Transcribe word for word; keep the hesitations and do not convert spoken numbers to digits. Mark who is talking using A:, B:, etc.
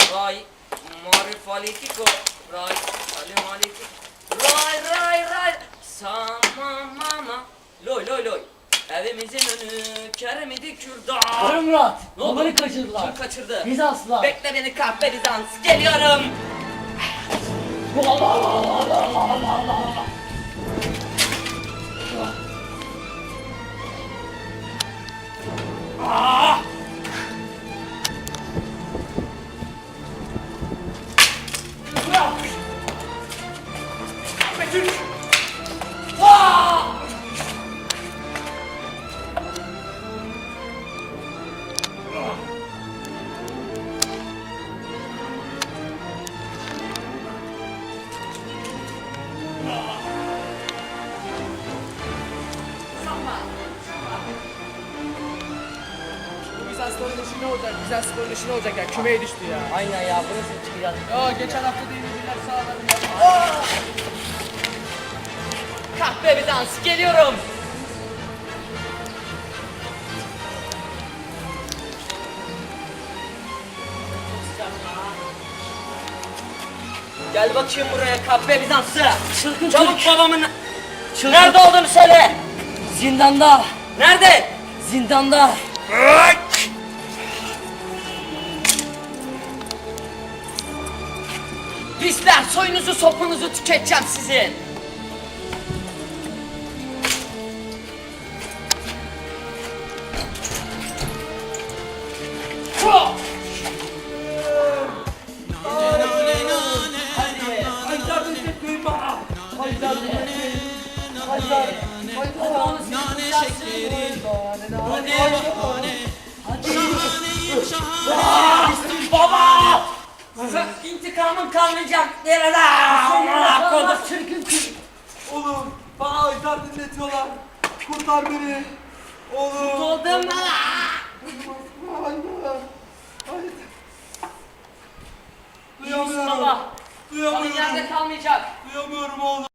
A: Ray, marifalitiko, ray, alimalitiko, ray, ray, ray, sama mama, loy loy loy. Evimizin önü keremidi kürdan.
B: Karı Murat,
A: Ne oldu?
B: babanı kaçırdılar.
A: Kim kaçırdı?
B: Bizanslılar.
A: Bekle beni kahpe Bizans, geliyorum.
B: Allah Allah Allah Allah Allah Allah.
A: Ah! Betül! Ah!
C: Bu Bizansların işi ne olacak? Bizansların işi ne olacak ya? Kümeye düştü ya.
B: Aynen ya, burası çıkacak.
C: Ya geçen hafta da yenildiler sağlarım ya.
A: Kahpe Bizans, geliyorum. Gel bakayım buraya kahpe Bizans'ı.
B: Çılgın
A: Çabuk
B: Türk.
A: babamın
B: Çılgın.
A: nerede olduğunu söyle.
B: Zindanda.
A: Nerede?
B: Zindanda.
A: Pisler, soyunuzu sopunuzu tüketeceğim sizin. Baba! İntikamın kalmayacak nerede? Amına koydum.
B: Çılgın Türk.
D: Oğlum bana aylar dinletiyorlar. Kurtar beni. Oğlum.
A: Oldum mu?
D: Hayır. Hayır.
A: İyisin
D: Duyamıyorum.
A: baba. Kanın
D: Duyamıyorum.
A: yerde kalmayacak.
D: Duyamıyorum oğlum.